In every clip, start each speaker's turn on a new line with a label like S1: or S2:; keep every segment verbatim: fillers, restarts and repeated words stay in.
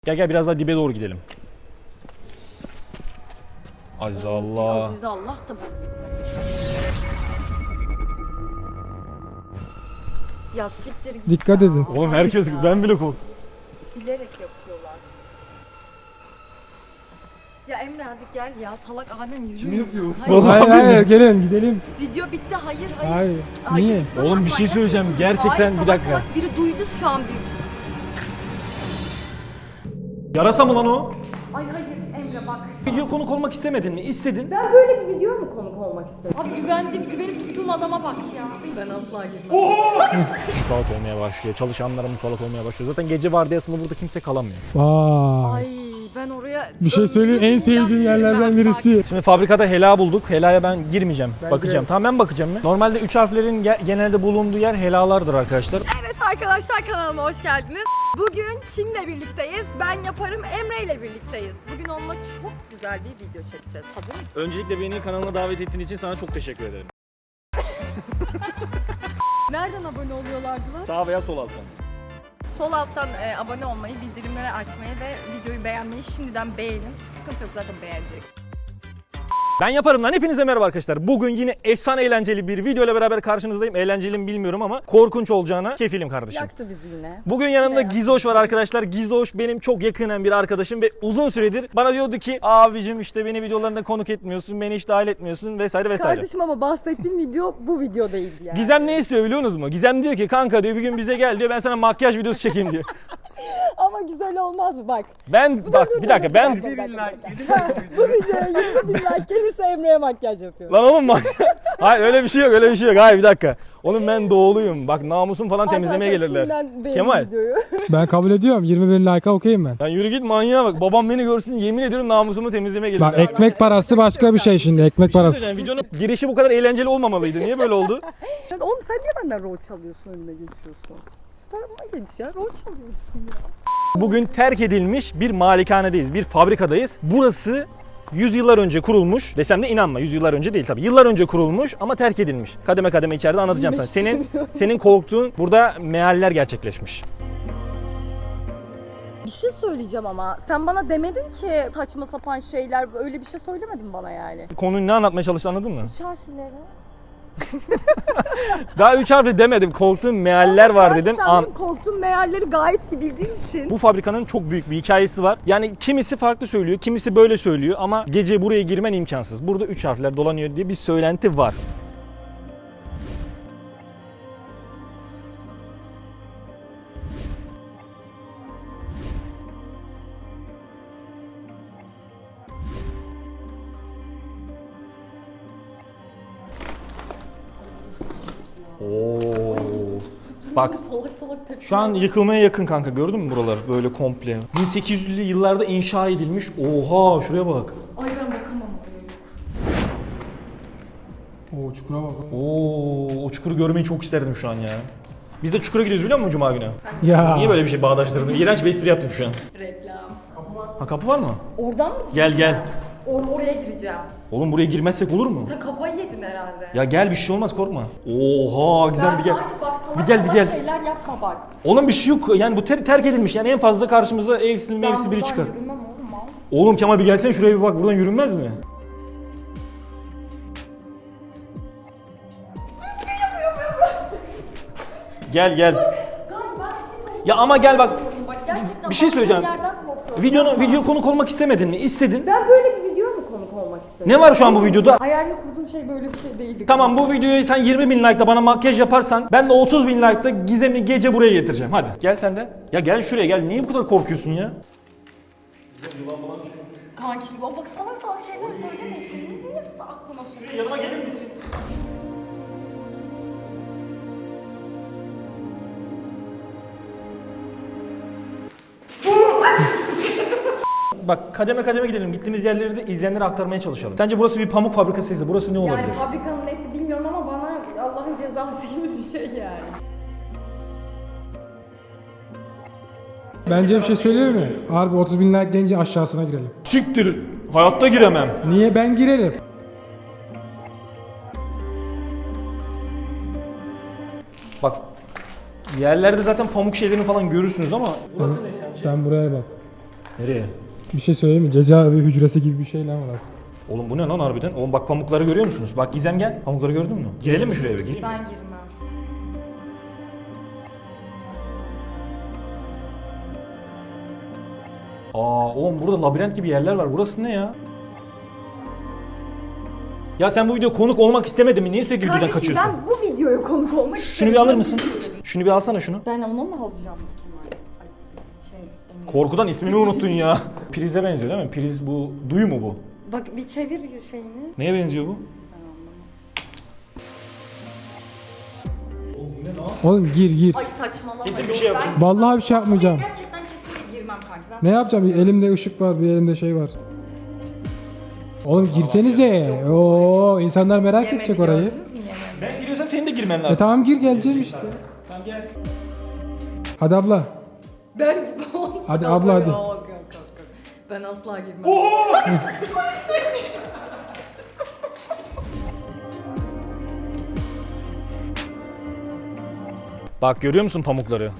S1: Gel gel biraz daha dibe doğru gidelim. Aziz Allah.
S2: Aziz Allah da bu. Ya siktir git.
S3: Dikkat
S2: ya.
S3: edin.
S1: Oğlum herkes
S2: Ya.
S1: ben bile korktum.
S2: Bilerek yapıyorlar. Ya Emre hadi gel ya, salak Adem yürü. Kim
S3: yapıyor?
S2: Hayır.
S1: Vallahi-
S3: Hayır hayır gelin gidelim.
S2: Video bitti, hayır hayır.
S3: Hayır.
S2: Hayır.
S3: Niye?
S1: Oğlum bir şey söyleyeceğim gerçekten
S2: Hayır,
S1: bir
S2: salak
S1: dakika.
S2: salak biri duydu şu an büyük.
S1: Yarasa mı lan o?
S2: Ay hayır Emre bak.
S1: Video konuk olmak istemedin mi? İstedin.
S2: Ben böyle bir video mu konuk olmak istedim? Abi güvendiğim, güvenip tuttuğum adama bak ya. Ben asla girmem.
S1: Musallat olmaya başlıyor. Çalışanlara musallat olmaya başlıyor. Zaten gece vardiyasında burada kimse kalamıyor.
S3: Vay.
S2: Ay ben oraya...
S3: Bir şey söyleyeyim, en sevdiğim yerlerden birisi.
S1: Şimdi fabrikada Hela bulduk. Helaya ben girmeyeceğim.
S3: Ben
S1: bakacağım.
S3: girerim.
S1: Tamam ben bakacağım. Ya. Normalde üç harflerin ge- genelde bulunduğu yer helalardır arkadaşlar.
S2: Evet arkadaşlar, kanalıma hoş geldiniz. Bugün kimle birlikteyiz? Ben yaparım, Emre ile birlikteyiz. Bugün onunla çok güzel bir video çekeceğiz. Hazır mısın?
S1: Öncelikle beni kanalına davet ettiğin için sana çok teşekkür ederim.
S2: Nereden abone oluyorlardı lan?
S1: Sağ veya sol alttan.
S2: Sol alttan e, abone olmayı, bildirimleri açmayı ve videoyu beğenmeyi şimdiden beğenin. Sıkıntı yok, zaten beğenecek.
S1: Ben yaparım lan. Hepinize merhaba arkadaşlar. Bugün yine efsane eğlenceli bir video ile beraber karşınızdayım. Eğlenceli mi bilmiyorum ama korkunç olacağına kefilim kardeşim.
S2: Yaktı bizi yine.
S1: Bugün yanımda
S2: Ya.
S1: Gizoş var arkadaşlar. Gizoş benim çok yakınen bir arkadaşım ve uzun süredir bana diyordu ki abicim işte beni videolarında konuk etmiyorsun, beni hiç dahil etmiyorsun vesaire vesaire.
S2: Kardeşim ama bahsettiğim video bu video değildi yani.
S1: Gizem ne istiyor biliyor musunuz mu? Gizem diyor ki kanka diyor bir gün bize gel diyor ben sana makyaj videosu çekeyim diyor.
S2: Ama güzel olmaz mı bak.
S1: Ben bak bir dakika ben
S2: Bir bin like. Bu videoya yirmi bin like gelirse Emre'ye makyaj yapıyorum.
S1: lan oğlum bak. Hayır öyle bir şey yok öyle bir şey yok. Hayır bir dakika. Oğlum ben doğuluyum. Bak namusum falan temizlemeye
S2: Arkadaşlar,
S1: gelirler.
S2: şimdiden beğenin
S1: Kemal.
S2: videoyu.
S3: Ben kabul ediyorum. yirmi bin like'a okeyim ben.
S1: Lan yürü git manyağa bak. Babam beni görsün yemin ediyorum namusumu temizlemeye
S3: Bak
S1: gelirler.
S3: ekmek parası başka bir şey şimdi. Ekmek
S1: Bir şey
S3: parası.
S1: söyleyeceğim, videonun girişi bu kadar eğlenceli olmamalıydı. Niye böyle oldu?
S2: Sen, oğlum sen niye benden rol çalıyorsun, önüne geçiyorsun? Şu tarafa geç ya, rol çalıyorsun ya.
S1: Bugün terk edilmiş bir malikanedeyiz, bir fabrikadayız. Burası yüz yıllar önce kurulmuş. Desem de inanma, yüz yıllar önce değil tabii. Yıllar önce kurulmuş ama terk edilmiş. Kademe kademe içeride anlatacağım sana. Senin senin korktuğun burada mealler gerçekleşmiş.
S2: Bir şey söyleyeceğim ama sen bana demedin ki saçma sapan şeyler, öyle bir şey söylemedin bana yani.
S1: Konuyu ne anlatmaya çalıştı anladın mı?
S2: Üç harfleri.
S1: Daha üç harfli demedim. Korktuğum mealler var dedim.
S2: Sen
S1: An-
S2: benim korktuğum mealleri gayet iyi bildiğin için.
S1: Bu fabrikanın çok büyük bir hikayesi var. Yani kimisi farklı söylüyor, kimisi böyle söylüyor ama gece buraya girmen imkansız. Burada üç harfler dolanıyor diye bir söylenti var. Oo. Bak
S2: Salak salak tepki.
S1: şu an yıkılmaya yakın kanka gördün mü buralar böyle komple. bin sekiz yüzlü yıllarda inşa edilmiş. Oha şuraya bak.
S2: Ay ben bakamam oraya.
S3: Oo çukura bak.
S1: Oo o çukuru görmeyi çok isterdim şu an ya. Biz de çukura gidiyoruz biliyor musun Cuma günü?
S3: Ya.
S1: Niye böyle bir şey bağdaştırdım? İğrenç bir espri yaptım şu an.
S2: Reklam.
S1: Ha kapı var mı?
S2: Oradan mı?
S1: Gel gel.
S2: Or oraya gireceğim.
S1: Oğlum buraya girmezsek olur mu?
S2: Sen kafayı yedin herhalde.
S1: Ya gel bir şey olmaz korkma. Oha güzel bir gel.
S2: Sanki bak salak
S1: Bir gel bir
S2: salak
S1: gel.
S2: şeyler yapma bak.
S1: Oğlum bir şey yok yani bu ter- terk edilmiş yani en fazla karşımıza evsiz mevsiz
S2: Ben
S1: biri
S2: buradan
S1: çıkar.
S2: yürümem oğlum mal.
S1: Oğlum Kemal bir gelsene şuraya bir bak buradan yürünmez mi? Gel gel. Ya ama gel bak.
S2: Bak gerçekten
S1: Bir şey
S2: baktığım
S1: söyleyeceğim.
S2: yerden korkuyorum.
S1: Videonu
S2: Yapma.
S1: video konuk olmak istemedin mi? İstedin.
S2: Ben böyle bir video mu konuk olmak istedim?
S1: Ne var şu an bu videoda?
S2: Hayalini kurduğum şey böyle bir şey değildi.
S1: Tamam bu videoyu sen yirmi bin like'da bana makyaj yaparsan ben de otuz bin like'da Gizem'i gece buraya getireceğim. Hadi gel sen de. Ya gel şuraya gel. Niye bu kadar korkuyorsun ya?
S2: Kanki o bak salak salak şeyler söyleme işte. Niye aklıma soruyorsun?
S1: Yanıma gelir misin? Bak kademe kademe gidelim. Gittiğimiz yerleri de izleyenlere aktarmaya çalışalım. Sence burası bir pamuk fabrikasıysa burası ne olabilir?
S2: Yani fabrikanın neyse bilmiyorum ama bana Allah'ın cezası gibi bir şey yani.
S3: Bence bir şey söyleyeyim mi? Harbi otuz bin like gelince aşağısına girelim.
S1: Siktir. Hayatta giremem.
S3: Niye ben girerim?
S1: Bak yerlerde zaten pamuk şeylerini falan görürsünüz ama
S3: Sen, sen buraya bak.
S1: Nereye?
S3: Bir şey söyleyeyim mi? Cezaevi hücresi gibi bir şey lan var.
S1: Oğlum bu ne lan harbiden? Oğlum bak pamukları görüyor musunuz? Bak Gizem gel. Pamukları gördün mü? Girelim mi şuraya bir? Gireyim mi?
S2: Ben girmem.
S1: Aa oğlum burada labirent gibi yerler var. Burası ne ya? Ya sen bu video konuk olmak istemedin mi? Niye sürekli videodan
S2: Kardeşim
S1: kaçıyorsun?
S2: ben bu videoya konuk olmak
S1: Şunu bir alır mısın? Şunu bir alsana şunu.
S2: Ben onu mu alacağım Kemal? Ay, şey, Emre.
S1: Korkudan ismini unuttun ya. Prize benziyor değil mi? Priz bu. Duyu mu bu?
S2: Bak bir çevir şeyini.
S1: Neye benziyor bu?
S3: Oğlum gir gir.
S2: Ay saçmalama.
S1: Kesin bir
S2: Yok,
S1: şey yapacağım.
S2: ben-
S3: Vallahi bir şey yapmayacağım.
S2: Gerçekten kesinlikle girmem kanki. Ben
S3: Ne yapacağım? Bir elimde ışık var, bir elimde şey var. Oğlum girsenize. Oo, insanlar merak
S2: Yemedi,
S3: edecek orayı.
S2: gördünüz mü yemedi?
S1: Ben giriyorsam senin de girmen
S3: E
S1: lazım.
S3: tamam gir geleceğim işte.
S1: Tamam gel.
S3: Hadi abla.
S2: Ben gibi olsam.
S3: Hadi abla, hadi.
S2: Yok, yok, yok, yok. Ben asla girmem.
S1: Bak görüyor musun pamukları?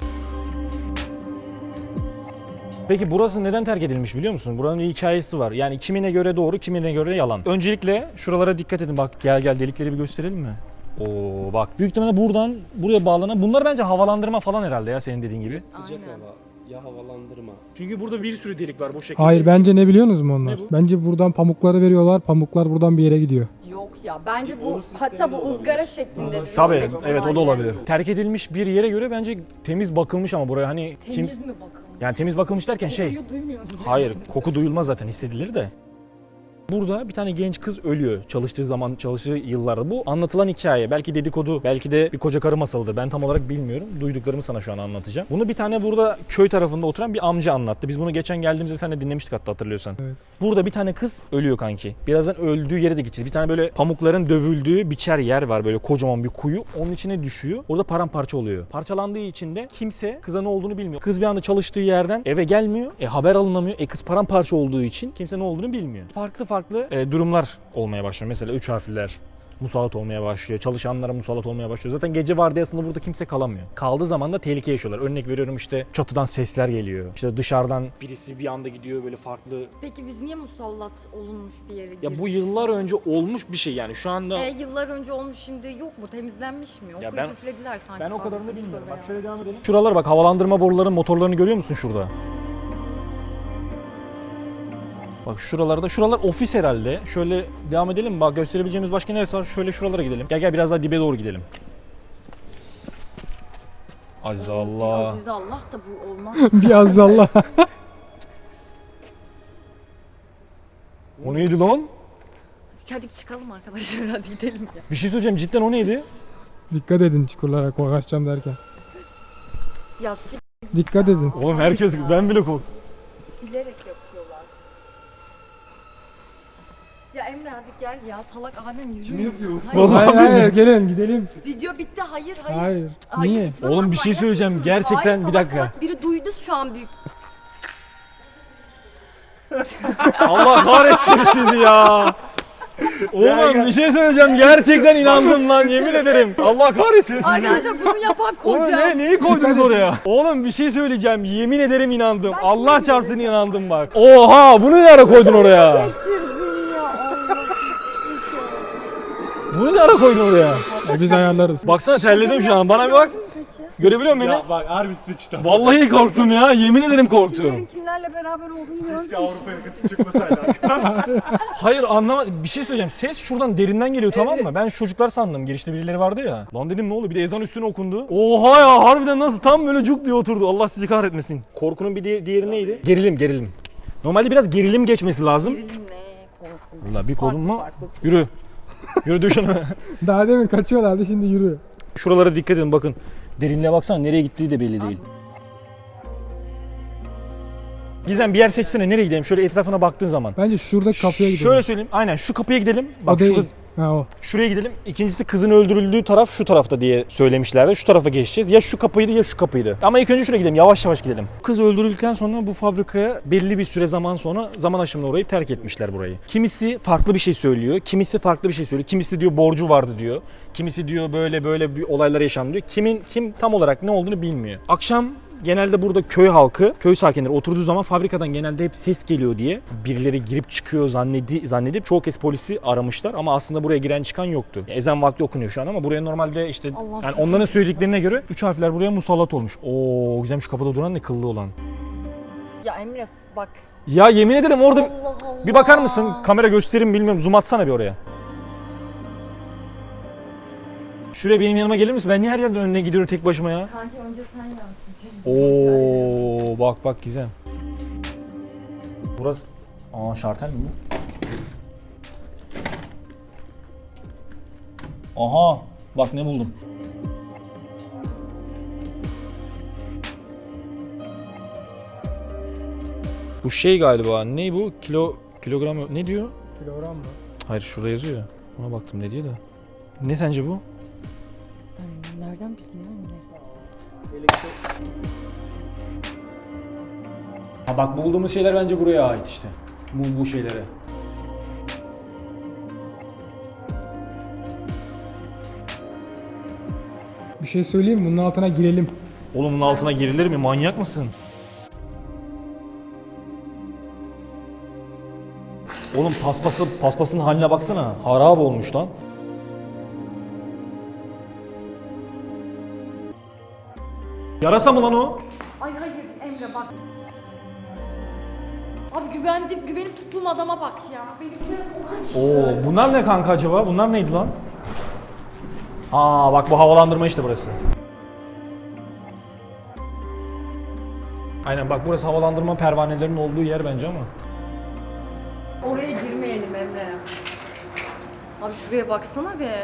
S1: Peki burası neden terk edilmiş biliyor musun? Buranın bir hikayesi var. Yani kimine göre doğru, kimine göre yalan. Öncelikle şuralara dikkat edin. Bak gel gel delikleri bir gösterelim mi? Oo bak büyük ihtimalle buradan buraya bağlanan bunlar bence havalandırma falan herhalde ya senin dediğin gibi.
S4: Sıcak hava, ya havalandırma.
S1: Çünkü burada bir sürü delik var bu şekilde.
S3: Hayır bence ne biliyorsunuz mu onlar?
S1: Ne bu?
S3: Bence buradan pamukları veriyorlar. Pamuklar buradan bir yere gidiyor.
S2: Yok ya bence
S4: Bir
S2: bu
S4: boru sistemi
S2: hatta bu
S4: de olabilir.
S2: ızgara şeklinde.
S1: Tabii evet o da olabilir. Terk edilmiş bir yere göre bence temiz bakılmış ama buraya hani kim
S2: Temiz mi bakalım?
S1: yani temiz bakılmış derken şey
S2: Kokuyu duymuyorsun.
S1: hayır koku duyulmaz zaten hissedilir de. Burada bir tane genç kız ölüyor çalıştığı zaman, çalıştığı yıllarda. Bu anlatılan hikaye. Belki dedikodu, belki de bir koca karı masalıdır. Ben tam olarak bilmiyorum. Duyduklarımı sana şu an anlatacağım. Bunu bir tane burada köy tarafında oturan bir amca anlattı. Biz bunu geçen geldiğimizde seninle dinlemiştik hatta hatırlıyorsan.
S3: Evet.
S1: Burada bir tane kız ölüyor kanki. Birazdan öldüğü yere de gideceğiz. Bir tane böyle pamukların dövüldüğü biçer yer var böyle kocaman bir kuyu. Onun içine düşüyor. Orada paramparça oluyor. Parçalandığı için de kimse kıza ne olduğunu bilmiyor. Kız bir anda çalıştığı yerden eve gelmiyor. E haber alınamıyor. E kız paramparça olduğu için kimse ne olduğunu bilmiyor. Farklı farklı e, durumlar olmaya başlıyor. Mesela üç harfliler musallat olmaya başlıyor. Çalışanlara musallat olmaya başlıyor. Zaten gece vardiyasında burada kimse kalamıyor. Kaldığı zaman da tehlike yaşıyorlar. Örnek veriyorum işte çatıdan sesler geliyor. İşte dışarıdan birisi bir anda gidiyor böyle farklı.
S2: Peki biz niye musallat olunmuş bir yere
S1: Ya bu
S2: girdik?
S1: yıllar önce olmuş bir şey yani şu anda.
S2: E, yıllar önce olmuş şimdi yok mu? Temizlenmiş mi? Okuyup
S1: ben-
S2: üflediler sanki.
S1: Ben o
S2: bana.
S1: kadarını bilmiyorum.
S2: Tövbe
S1: Bak
S2: ya.
S1: şöyle devam edelim. Şuralar bak havalandırma boruların motorlarını görüyor musun şurada? Bak şuralarda, şuralar ofis herhalde. Şöyle devam edelim mi? Bak gösterebileceğimiz başka neresi var? Şöyle şuralara gidelim. Gel gel biraz daha dibe doğru gidelim. Aziz Allah.
S2: Aziz Allah da bu olmaz.
S3: Biraz da Allah.
S1: O neydi lan?
S2: Hadi çıkalım arkadaşlar hadi gidelim ya.
S1: Bir şey söyleyeceğim cidden o neydi?
S3: Dikkat edin çukurlara kaçacağım derken.
S2: Ya s***
S3: Dikkat edin.
S1: Oğlum herkes ben bile korktum.
S2: bilerek yapıyorlar. Ya Emre hadi gel ya salak Adem yürü.
S4: Kim yapıyor?
S2: Hayır,
S1: Vallahi
S3: Hayır hayır gelin gidelim.
S2: video bitti hayır hayır.
S3: Hayır.
S2: Hayır,
S3: Niye?
S2: gitme
S1: Oğlum
S2: lan,
S1: bir şey
S2: manyak
S1: söyleyeceğim.
S2: mısınız?
S1: Gerçekten
S2: Hayır,
S1: bir
S2: salak
S1: dakika.
S2: salak biri duydu şu an büyük.
S1: Allah kahretsin sizi ya. Oğlum bir şey söyleyeceğim. Gerçekten inandım lan yemin ederim. Allah kahretsin sizi.
S2: Arkadaşlar bunu yapan
S1: Oğlum
S2: koca.
S1: ne, neyi koydunuz oraya? Oğlum bir şey söyleyeceğim. Yemin ederim inandım. Allah çarpsın inandım bak. Oha bunu ne ara koydun oraya?
S2: Getirdin ya Allah.
S1: Bunu ne ara koydun oraya?
S3: E, biz ayarlarız.
S1: Baksana terledim şu an. Bana bir bak. Görebiliyor musun beni?
S4: Ya bak harbi sıçtı.
S1: Vallahi korktum ya. Yemin ederim korktum.
S2: Kimlerin kimlerle beraber olduğunu
S4: Keşke
S2: gördüm.
S4: Avrupa yakası çıkmasaydı.
S1: Hayır anlamadım. Bir şey söyleyeceğim. Ses şuradan derinden geliyor tamam mı? Ben şu çocuklar sandım. Girişte birileri vardı ya. Lan dedim ne oldu? Bir de ezan üstüne okundu. Oha ya harbiden nasıl? Tam böyle cuk diye oturdu. Allah sizi kahretmesin. Korkunun bir di- diğeri neydi? Gerilim gerilim. Normalde biraz gerilim geçmesi lazım.
S2: Gerilim ne korkunç.
S1: Valla bir kolun mu?
S2: Farklı, farklı.
S1: Yürü. Yürü düşün.
S3: Daha demin kaçıyorlardı şimdi yürü.
S1: Şuralara dikkat edin bakın. Derinliğe baksana nereye gittiği de belli değil. Gizem bir yer seçsene nereye gidelim? Şöyle etrafına baktığın zaman.
S3: Bence şurada kapıya gidelim.
S1: Şöyle söyleyeyim. Aynen şu kapıya gidelim.
S3: O
S1: Bak
S3: değil.
S1: şurada
S3: Ha o.
S1: şuraya gidelim. İkincisi kızın öldürüldüğü taraf şu tarafta diye söylemişlerdi. Şu tarafa geçeceğiz. Ya şu kapıydı ya şu kapıydı. Ama ilk önce şuraya gidelim. Yavaş yavaş gidelim. Kız öldürüldükten sonra bu fabrikaya belli bir süre zaman sonra zaman aşımına uğrayıp terk etmişler burayı. Kimisi farklı bir şey söylüyor. Kimisi farklı bir şey söylüyor. Kimisi diyor borcu vardı diyor. Kimisi diyor böyle böyle bir olaylar yaşandı diyor. Kimin kim tam olarak ne olduğunu bilmiyor. Akşam genelde burada köy halkı, köy sakinleri oturduğu zaman fabrikadan genelde hep ses geliyor diye birileri girip çıkıyor zannedi, zannedip çoğu kez polisi aramışlar ama aslında buraya giren çıkan yoktu. Ezan vakti okunuyor şu an ama buraya normalde işte
S2: Allah
S1: yani onların söylediklerine göre üç harfler buraya musallat olmuş. Oo güzelmiş, kapıda duran ne kıllı olan.
S2: Ya Emre bak.
S1: Ya yemin ederim orada
S2: Allah Allah.
S1: bir bakar mısın? Kamera gösterim bilmiyorum. Zoom atsana bir oraya. Şuraya benim yanıma gelir misin? Ben niye her yerden önüne gidiyorum tek başıma ya?
S2: Kanki önce sen yansın.
S1: Oo bak bak güzel. Burası aa şartel mi bu? Aha bak ne buldum. Bu şey galiba. Ne bu? Kilo kilogram ne diyor?
S3: Kilogram mı?
S1: Hayır şurada yazıyor ya. Ona baktım ne diyor da. Ne sence bu?
S2: Ben nereden bildim lan Emre?
S1: Ha bak bulduğumuz şeyler bence buraya ait işte. Bu, bu şeylere.
S3: Bir şey söyleyeyim mi? Bunun altına girelim.
S1: Oğlum bunun altına girilir mi? Manyak mısın? Oğlum paspası, paspasın haline baksana. Harap olmuş lan. Yarasa mı lan o?
S2: Ay hayır Emre bak. Abi güvendim, güvenip tuttuğum adama bak ya. Benim
S1: Oo, bunlar ne kanka acaba? Bunlar neydi lan? Aa bak bu havalandırma işte burası. Aynen bak burası havalandırma pervanelerinin olduğu yer bence ama.
S2: Oraya girmeyelim Emre. Abi şuraya baksana be.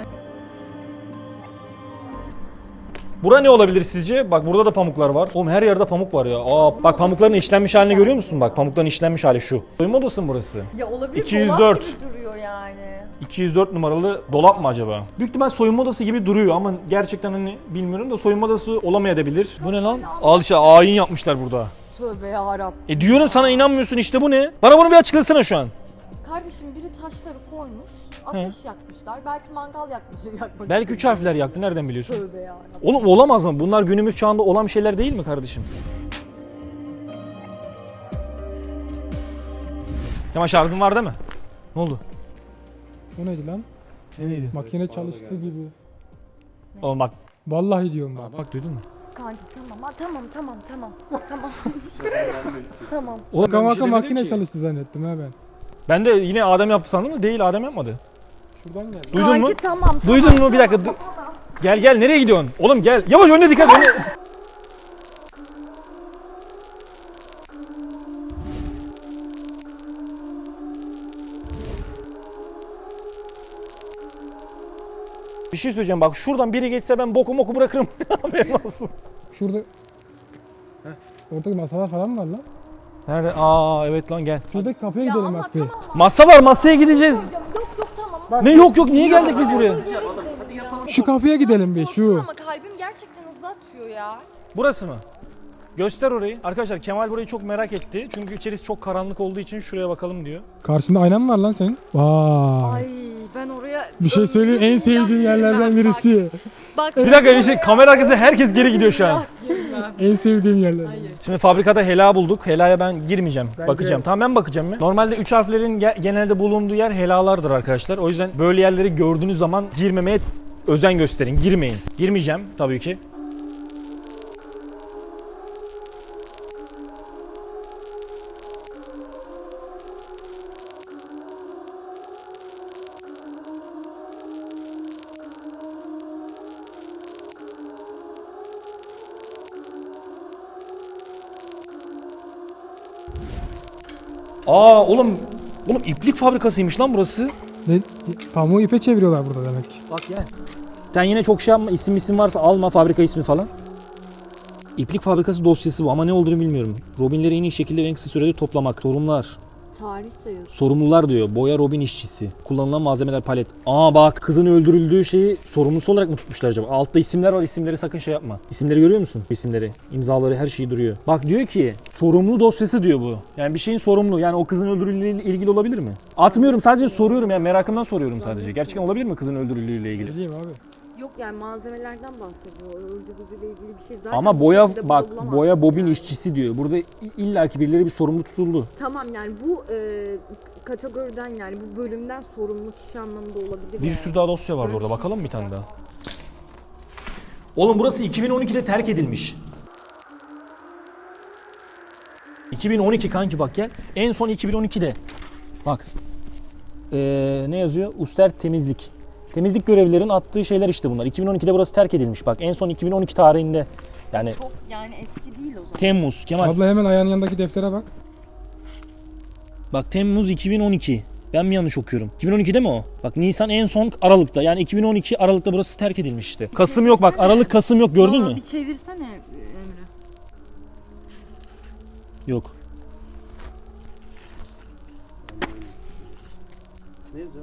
S1: Bura ne olabilir sizce? Bak burada da pamuklar var. Oğlum her yerde pamuk var ya. Aa bak pamukların işlenmiş halini görüyor musun? Bak pamukların işlenmiş hali şu. Soyunma odası mı burası?
S2: Ya olabilir.
S1: iki yüz dört.
S2: Dolap gibi duruyor yani.
S1: iki yüz dört numaralı dolap mı acaba? Büyük ihtimal soyunma odası gibi duruyor ama gerçekten hani bilmiyorum da soyunma odası olamayabilir. Bu ne lan? Al işte ayin yapmışlar burada.
S2: Tövbe yarabbim.
S1: E diyorum sana inanmıyorsun işte bu ne? Bana bunu bir açıklasana şu an.
S2: Kardeşim biri taşları koymuş, ateş yakmışlar. Belki mangal yakmışlar. Yakmak
S1: Belki üç harfler yaktı nereden biliyorsun?
S2: Tövbe yarabbim.
S1: Oğlum olamaz mı? Bunlar günümüz çağında olan şeyler değil mi kardeşim? Kemal şarjın var değil mi? Ne oldu?
S3: O neydi lan?
S1: Ne neydi?
S3: Makine çalıştı gibi.
S1: Oğlum bak.
S3: Vallahi diyorum bak.
S1: Bak duydun mu?
S2: Kanki tamam, ha, tamam, tamam, tamam, tamam. Tamam.
S1: Oğlum
S3: Şaka
S1: ben bir
S3: maka
S1: şey demedim
S3: makine
S1: ki.
S3: çalıştı zannettim ha ben.
S1: Ben de yine Adem yaptı sandım da değil, Adem yapmadı.
S3: Şuradan geldi.
S1: Duydun
S2: Kanki
S1: mu?
S2: tamam, tamam.
S1: Duydun mu? Bir dakika. Du- gel gel nereye gidiyorsun? Oğlum gel. Yavaş önüne dikkat. Önüne... Bir şey söyleyeceğim bak şuradan biri geçse ben boku moku bırakırım. Haberin olsun.
S3: Şurada... Oradaki masalar falan var lan.
S1: Nerede? Aa evet lan gel.
S3: Şuradaki kapıya
S2: Ya
S3: gidelim
S2: ama
S3: bak bir.
S2: tamam.
S1: Masa var, masaya gideceğiz.
S2: Yok yok tamam.
S1: Ne yok yok niye geldik biz buraya?
S3: Şu kapıya gidelim bir şu.
S2: Ama kalbim gerçekten hızlı atıyor ya.
S1: Burası mı? Göster orayı. Arkadaşlar Kemal burayı çok merak etti. Çünkü içerisi çok karanlık olduğu için şuraya bakalım diyor.
S3: Karşında ayna mı var lan senin? Vay.
S2: Ay ben oraya...
S3: Bir şey söyleyeyim en sevdiğim yerlerden birisi.
S2: Bak,
S1: Bir dakika bir şey kamera arkasında herkes geri gidiyor şu an.
S3: En sevdiğim yerler.
S1: Şimdi fabrikada hela bulduk. Helaya ben girmeyeceğim.
S3: Ben
S1: bakacağım.
S3: girerim.
S1: Tamam ben bakacağım ya. Normalde üç harflerin ge- genelde bulunduğu yer helalardır arkadaşlar. O yüzden böyle yerleri gördüğünüz zaman girmemeye özen gösterin. Girmeyin. Girmeyeceğim tabii ki. Aa oğlum oğlum iplik fabrikasıymış lan burası.
S3: Ne? Pamuğu ipe çeviriyorlar burada demek ki.
S1: Bak gel. Sen yine çok şey yapma. İsim isim varsa alma fabrika ismi falan. İplik fabrikası dosyası bu ama ne olduğunu bilmiyorum. Robinleri en iyi şekilde ve en kısa sürede toplamak. Sorumlular.
S2: Tarih sayıyor.
S1: Sorumlular diyor. Boya Robin işçisi. Kullanılan malzemeler palet. Aa bak kızın öldürüldüğü şeyi sorumlusu olarak mı tutmuşlar acaba? Altta isimler var. İsimleri sakın şey yapma. İsimleri görüyor musun? İsimleri, imzaları, her şeyi duruyor. Bak diyor ki sorumlu dosyası diyor bu. Yani bir şeyin sorumlu. Yani o kızın öldürüldüğüyle ilgili olabilir mi? Atmıyorum sadece soruyorum yani merakımdan soruyorum sadece. Gerçekten olabilir mi kızın öldürüldüğüyle ilgili?
S3: Ne diyeyim abi?
S2: Yok yani malzemelerden bahsediyor. Örgü bugüyle ilgili bir şey zaten.
S1: Ama
S2: bu
S1: boya
S2: şekilde
S1: bak
S2: bulamazsın
S1: boya bobin
S2: yani.
S1: işçisi diyor. Burada illaki birileri bir sorumlu tutuldu.
S2: Tamam yani bu e, kategoriden yani bu bölümden sorumlu kişi anlamında olabilir.
S1: Bir
S2: yani.
S1: sürü daha dosya vardı
S2: Böyle
S1: orada.
S2: bir şey
S1: Bakalım bir
S2: yok.
S1: tane daha. Oğlum burası iki bin on ikide terk edilmiş. iki bin on iki kanki bak gel. En son iki bin on ikide. Bak. Ee, ne yazıyor? Uster temizlik. Temizlik görevlilerin attığı şeyler işte bunlar. iki bin on ikide burası terk edilmiş. Bak en son iki bin on iki tarihinde. Yani
S2: Çok yani eski değil o zaman.
S1: Temmuz Kemal.
S3: Abla hemen ayağının yanındaki deftere bak.
S1: Bak Temmuz iki bin on iki. Ben mi yanlış okuyorum? iki bin on ikide mi o? Bak Nisan en son Aralık'ta. Yani iki bin on iki Aralık'ta burası terk edilmiş işte. Kasım yok bak. Aralık Kasım yok gördün
S2: Aa,
S1: mü?
S2: Bir çevirsene Emre.
S1: Yok.
S4: Ne yazıyor?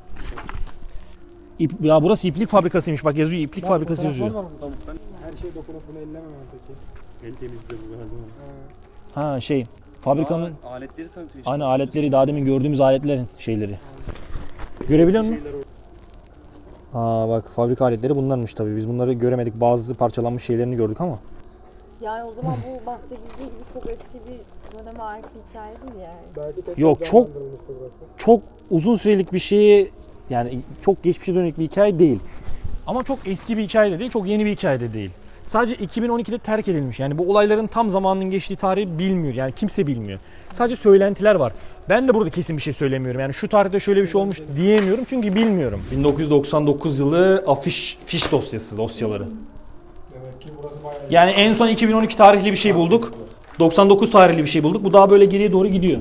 S1: İp, ya burası iplik fabrikasıymış. Bak yazıyor iplik
S3: Bak,
S1: fabrikası
S3: fotoğraflar
S1: yazıyor.
S3: var burada. Ben her şeye dokunup bunu ellemem peki.
S4: El temizliği bu galiba.
S1: Ha şey fabrikanın
S4: Aa, aletleri tanıtıyor işte.
S1: hani aletleri daha demin gördüğümüz aletlerin şeyleri. Görebiliyor musun?
S4: Şeyler o-
S1: Aa bak fabrika aletleri bunlarmış tabii. Biz bunları göremedik. Bazı parçalanmış şeylerini gördük ama.
S2: Yani o zaman bu bahsedildiği gibi çok eski bir döneme ait bir hikaye değil yani.
S1: Yok çok çok uzun sürelik bir şeyi yani çok geçmişe dönük bir hikaye değil. Ama çok eski bir hikaye de değil, çok yeni bir hikaye de değil. Sadece iki bin on ikide terk edilmiş. Yani bu olayların tam zamanının geçtiği tarihi bilmiyor. Yani kimse bilmiyor. Sadece söylentiler var. Ben de burada kesin bir şey söylemiyorum. Yani şu tarihte şöyle bir şey olmuş diyemiyorum çünkü bilmiyorum. bin dokuz yüz doksan dokuz yılı afiş fiş dosyası dosyaları.
S3: Demek ki burası bayağı
S1: Yani en son iki bin on iki tarihli bir şey bulduk. doksan dokuz tarihli bir şey bulduk. Bu daha böyle geriye doğru gidiyor.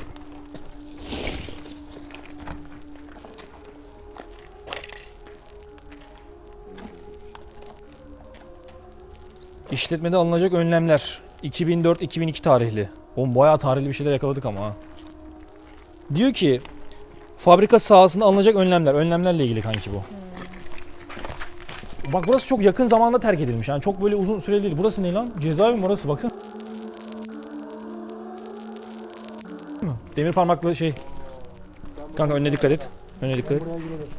S1: İşletmede alınacak önlemler. iki bin dört iki bin iki tarihli. Oğlum bayağı tarihli bir şeyler yakaladık ama ha. Diyor ki fabrika sahasında alınacak önlemler. Önlemlerle ilgili kanki bu. Bak burası çok yakın zamanda terk edilmiş. Yani çok böyle uzun süreli değil. Burası ne lan? Cezaevi mi orası? Baksana. Demir parmaklı şey. Kanka önüne dikkat et. Önüne dikkat et.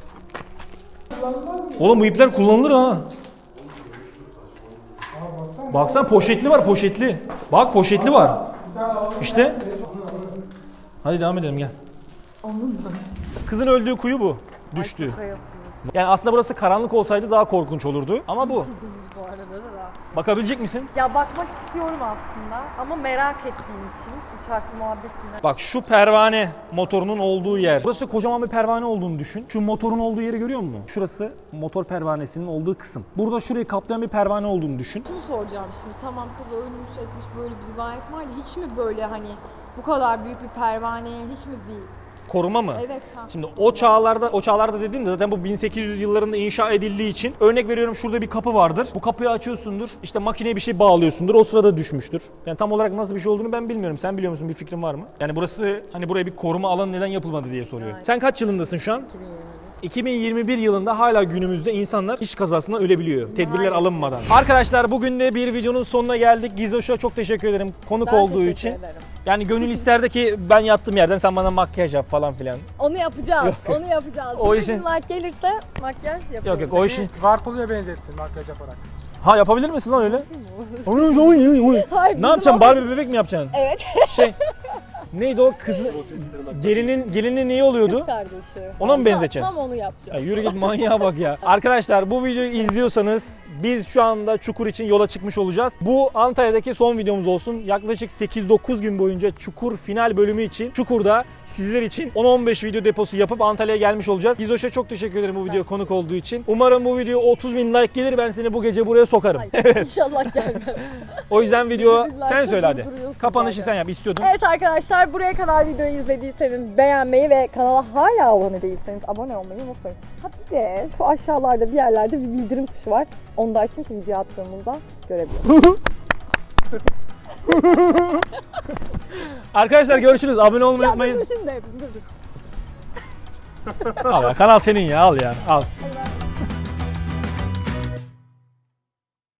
S1: Oğlum bu ipler kullanılır ha. Baksana poşetli var poşetli. Bak poşetli var. İşte. Hadi devam edelim gel. Kızın öldüğü kuyu bu. Düştü.
S2: Şaka yapıyorsun.
S1: Yani aslında burası karanlık olsaydı daha korkunç olurdu. Ama bu.
S2: Değil bu arada da.
S1: Bakabilecek misin?
S2: Ya bakmak istiyorum aslında ama merak ettiğim için üç harfli muhabbetinden.
S1: Bak şu pervane motorunun olduğu yer. Burası kocaman bir pervane olduğunu düşün. Şu motorun olduğu yeri görüyor musun? Şurası motor pervanesinin olduğu kısım. Burada şurayı kaplayan bir pervane olduğunu düşün.
S2: Şunu soracağım şimdi, tamam kız ölmüş etmiş böyle bir rivayet var da hiç mi böyle hani bu kadar büyük bir pervaneye hiç mi bir...
S1: Koruma mı?
S2: Evet ha.
S1: Şimdi o çağlarda, o çağlarda dediğimde zaten bu bin sekiz yüz yıllarında inşa edildiği için örnek veriyorum şurada bir kapı vardır. Bu kapıyı açıyorsundur. İşte makineye bir şey bağlıyorsundur. O sırada düşmüştür. Yani tam olarak nasıl bir şey olduğunu ben bilmiyorum. Sen biliyor musun? Bir fikrin var mı? Yani burası hani buraya bir koruma alanı neden yapılmadı diye soruyor.
S2: Evet.
S1: Sen kaç yılındasın şu an?
S2: iki bin yirmi bir.
S1: iki bin yirmi bir yılında hala günümüzde insanlar iş kazasından ölebiliyor. Tedbirler
S2: Maalesef.
S1: alınmadan. Arkadaşlar bugün de bir videonun sonuna geldik. Gizoş'a çok teşekkür ederim konuk
S2: Ben
S1: olduğu
S2: teşekkür
S1: için.
S2: ederim.
S1: Yani gönül isterdi ki ben yattığım yerden sen bana makyaj yap falan filan.
S2: Onu yapacağız. Onu yapacağız.
S1: O
S2: O
S1: işin-
S2: işin... like gelirse makyaj yapalım.
S1: Yok yok o işin.
S3: Vartolu'ya benzettin makyaj yaparak.
S1: Ha yapabilir misin lan öyle?
S2: Hayır,
S1: Ne yapacaksın? Barbie bebek mi yapacaksın?
S2: Evet.
S1: Şey neydi o kızı gelinin gelinin neyi oluyordu?
S2: Kardeşi.
S1: Ona mı
S2: Tam-
S1: benzeteceksin?
S2: Tam onu yapacağım.
S1: Ya yürü git manyağa bak ya. Arkadaşlar bu videoyu izliyorsanız biz şu anda Çukur için yola çıkmış olacağız. Bu Antalya'daki son videomuz olsun. Yaklaşık sekiz dokuz gün boyunca Çukur final bölümü için Çukur'da sizler için on on beş video deposu yapıp Antalya'ya gelmiş olacağız. Gizoş'a çok teşekkür ederim bu videoya konuk olduğu için. Umarım bu video otuz bin like gelir, ben seni bu gece buraya sokarım.
S2: Hayır, İnşallah gelmez.
S1: O yüzden video
S2: Biz like
S1: sen söyle hadi.
S2: durduruyorsun
S1: Kapanışı
S2: zaten.
S1: sen yap istiyordun.
S2: Evet arkadaşlar, buraya kadar videoyu izlediyseniz beğenmeyi ve kanala hala abone değilseniz abone olmayı unutmayın. Ha bir de şu aşağılarda bir yerlerde bir bildirim tuşu var. Onu da açın ki video attığımızda görebilirsiniz.
S1: Arkadaşlar görüşürüz. Abone olmayı unutmayın.
S2: Dur şimdi. Dur dur.
S1: Al ya, kanal senin ya, al ya. Al.
S2: Hadi